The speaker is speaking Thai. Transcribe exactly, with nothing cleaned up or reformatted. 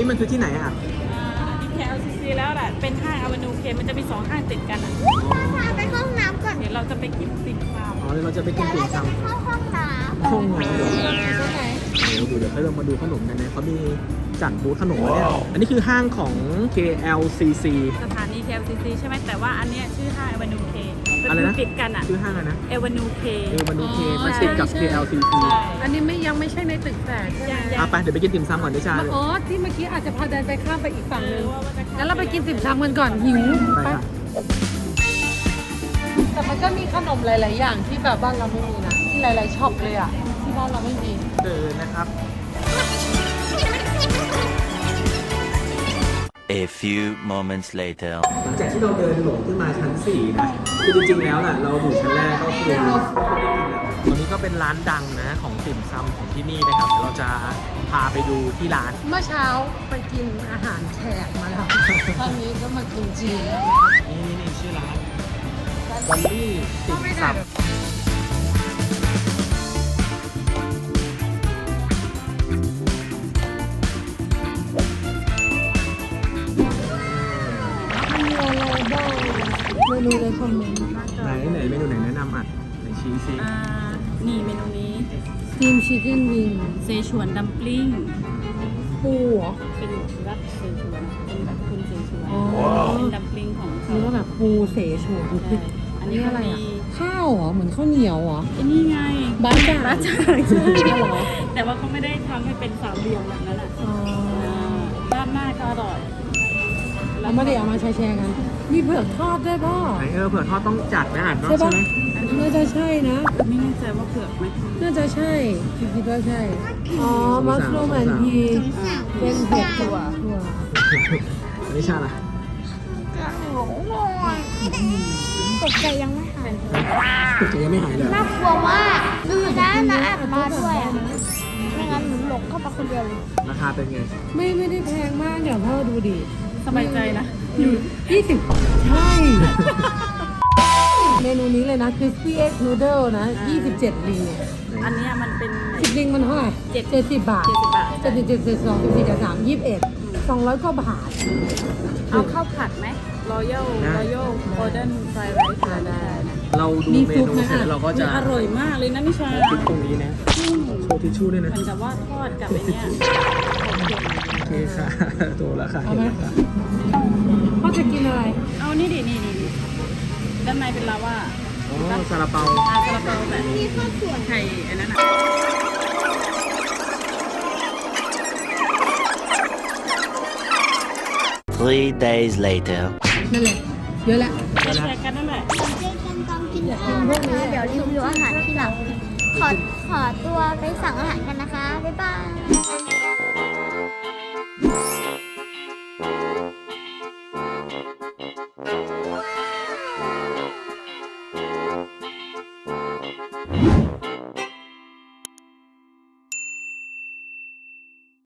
มันคือที่ไหนอะดีแค แอล ซี ซี แล้วแหละเป็นห้างอเวนูเคมันจะมีสองห้างติดกันอ่ะพาไปห้องน้ำก่อนเดี๋ยวเราจะไปกินติ่มซอ๋อเดี๋ยวเราจะไปกินติ่มซเข้าห้องน้ำห้องน้ำเดี๋ยวำตรงไหนเดี๋ยวดูเดี๋ยวให้เรามาดูขนมกันนะเขามีจัดบูธขนมไว้เนี่ยอันนี้คือห้างของ เค แอล ซี ซีสถานี เค แอล ซี ซี ใช่ไหมแต่ว่าอันเนี้ยชื่อห้างอเวนูเคอะไรนะติดกันอ่ะชื่อห้างอะไรนะเอเวนูเคเออมาดูเคมันติดกับ เค แอล ซี ซีใช่อันนี้ไม่ยังไม่ใช่ในตึกแฝดใช่ไหมยังอ่ะไปเดี๋ยวไปกินติ่มซำก่อนดิชาเลยอ๋อที่เมื่อกี้อาจจะพาเดินไปข้ามไปอีกฝั่งเอนึอง ว่ามันจะงั้นเราไปกินติ่มซำกันก่อนหิวไปค่ะแต่มันก็มีขนมหลาย ๆ อย่างที่แบบบ้านเราไม่มีนะที่หลาย ๆช็อปเลยอ่ะที่บ้านเราไม่มีเดินนะครับ A few moments later. หลังจากที่เราเดินหลงขึ้นมาชั้นสี่นะคือจริงๆแล้วน่ะเราอยู่ชั้นแรกก็คือตรงนี้ก็เป็นร้านดังนะของติ่มซำของที่นี่นะครับเดี๋ยวเราจะพาไปดูที่ร้านเมื่อเช้าไปกินอาหารแขกมาแล้วตอนนี้ก็มากินจีนนี่นี่นี่ชื่อร้านบัลลี่ติ่มซำเมนูในคอมเมนต์ไหนไหนเมนูไหนแนะนำอ่ะไหนชี้ซิอ่านี่เมนูนี้สตีมชิคเก้นวิงเซชวนดัมปลิ้งปูเหรอเป็นรัดเซชวนเป็นแบบคุณเซชวนอ๋อเป็นดัมปลิ้งของเขานี่ก็แบบปูเสฉวนใช่อันนี้นี่ก็อะไรมีอ่ะข้าวเหรอเหมือนข้าวเหนียวเหรอไอ้นี่ไงบ้าจ่างบ้าจ่างใช่เหรอแต่ว่าเขาไม่ได้ทำให้เป็นสามเหลี่ยมแบบนั้นอ่ะอ๋อด้านหน้าก็อร่อยเราไม่ได้เอามาแชร์ๆกัน มีเผือกทอดด้วยป่ะไหนเออเผื่อทอดต้องจัดนะอ่านเนาะใช่ใช่ป่ะไหมน่าจะใช่นะไม่แน่ใจว่าเผือกไหมน่าจะใช่คิดว่าใช่ อ๋อ มัสลูมแอนพีเป็นเห็ดถั่วถั่วอันนี้ชาล่ะำตกใจยังไม่หายจะยังไม่หายเลยน่ากลัวมากดูนะนะแอบมาด้วยอ่ะไม่งั้นหนูหลงเข้าไปคนเดียวเลยราคาเป็นไงไม่ไม่ได้แพงมากอย่างพ่อดูดิสบายใจนะอยู่ยี่สิบใช่ เมนูนี้เลยนะ crispy egg noodle นะยี่สิบเจ็ดลิงเนี่ยอันเนี้ยมันเป็นสิบลิงมันเท่าไหร่เจ็ดเจ็ดสิบบาทเจ็ดสิบบาทเจ็ดสิบเจ็ดสิบสองสิบสี่สิบสามยี่สิบเอ็ดสองร้อยกว่าบาทเอาข้าวผัดไหม Royal Royal Golden Fried Rice ได้เราดูเมนูเสร็จแล้วเราก็จะอร่อยมากเลยนะนิชาคลิปตรงนี้นะโชว์ทิชชู่ด้วยนะเหมือนกับว่าทอดกับไอ้เนี้ยโอเคค่ะโตแล้วค่ะเอาไหม พ่อจะกินอะไรเอานี่ดินี่นี่นี่ด้านในเป็นลาว่าอ๋อซาลาเปาอาซาลาเปาแบบนี้ไข่อันนั้นอ่ะ Three days later. นั่นแหละ เยอะแหละแชร์กันนั่นแหละเจ๊กันตามกินนะคะเดี๋ยวรีวิวอาหารที่หลัง ขอขอตัวไปสั่งอาหารกันนะคะ บ๊ายบาย